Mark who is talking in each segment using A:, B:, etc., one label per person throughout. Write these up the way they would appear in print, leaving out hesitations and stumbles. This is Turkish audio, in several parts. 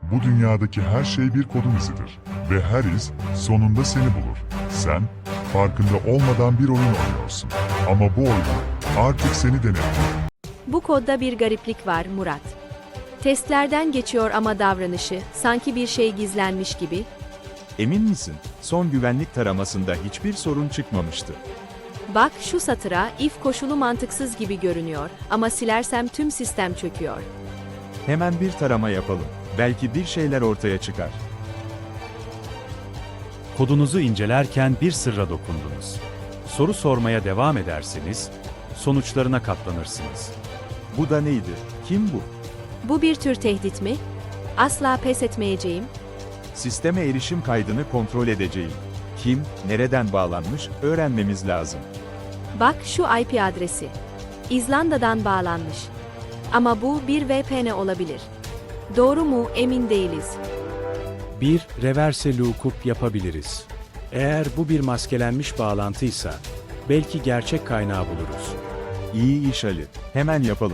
A: Bu dünyadaki her şey bir kodun izidir. Ve her iz sonunda seni bulur. Sen farkında olmadan bir oyun oynuyorsun. Ama bu oyun artık seni denetliyor.
B: Bu kodda bir gariplik var Murat. Testlerden geçiyor ama davranışı sanki bir şey gizlenmiş gibi.
C: Emin misin? Son güvenlik taramasında hiçbir sorun çıkmamıştı.
B: Bak şu satıra, if koşulu mantıksız gibi görünüyor ama silersem tüm sistem çöküyor.
C: Hemen bir tarama yapalım. Belki bir şeyler ortaya çıkar.
D: Kodunuzu incelerken bir sırra dokundunuz. Soru sormaya devam ederseniz, sonuçlarına katlanırsınız.
C: Bu da neydi? Kim bu?
B: Bu bir tür tehdit mi? Asla pes etmeyeceğim.
C: Sisteme erişim kaydını kontrol edeceğim. Kim, nereden bağlanmış öğrenmemiz lazım.
B: Bak şu IP adresi. İzlanda'dan bağlanmış. Ama bu bir VPN olabilir. Doğru mu emin değiliz.
D: Bir reverse lookup yapabiliriz. Eğer bu bir maskelenmiş bağlantıysa, belki gerçek kaynağı buluruz.
C: İyi iş Ali. Hemen yapalım.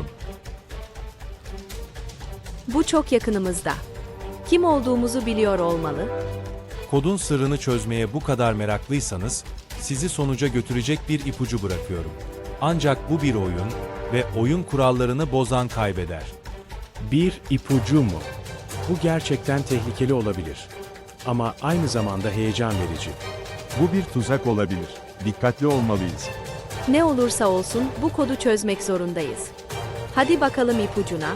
B: Bu çok yakınımızda. Kim olduğumuzu biliyor olmalı.
E: Kodun sırrını çözmeye bu kadar meraklıysanız, sizi sonuca götürecek bir ipucu bırakıyorum. Ancak bu bir oyun ve oyun kurallarını bozan kaybeder.
D: Bir ipucu mu? Bu gerçekten tehlikeli olabilir. Ama aynı zamanda heyecan verici.
C: Bu bir tuzak olabilir. Dikkatli olmalıyız.
B: Ne olursa olsun bu kodu çözmek zorundayız. Hadi bakalım ipucuna.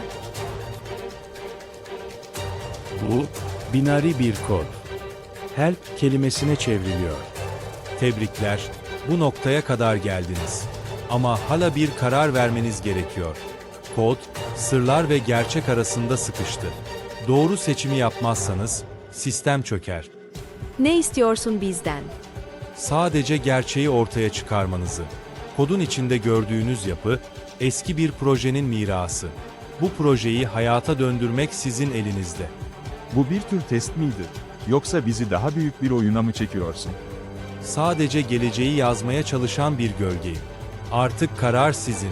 D: Bu, binari bir kod. Help kelimesine çevriliyor.
E: Tebrikler, bu noktaya kadar geldiniz. Ama hala bir karar vermeniz gerekiyor. Kod, sırlar ve gerçek arasında sıkıştı. Doğru seçimi yapmazsanız, sistem çöker.
B: Ne istiyorsun bizden?
E: Sadece gerçeği ortaya çıkarmanızı. Kodun içinde gördüğünüz yapı, eski bir projenin mirası. Bu projeyi hayata döndürmek sizin elinizde.
C: Bu bir tür test miydi? Yoksa bizi daha büyük bir oyuna mı çekiyorsun?
E: Sadece geleceği yazmaya çalışan bir gölgeyim. Artık karar sizin.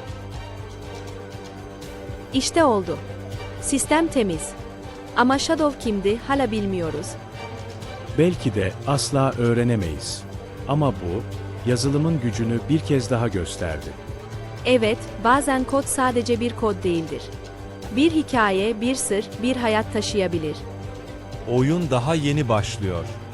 B: İşte oldu. Sistem temiz. Ama Shadow kimdi hala bilmiyoruz.
D: Belki de asla öğrenemeyiz. Ama bu, yazılımın gücünü bir kez daha gösterdi.
B: Evet, bazen kod sadece bir kod değildir. Bir hikaye, bir sır, bir hayat taşıyabilir.
E: Oyun daha yeni başlıyor.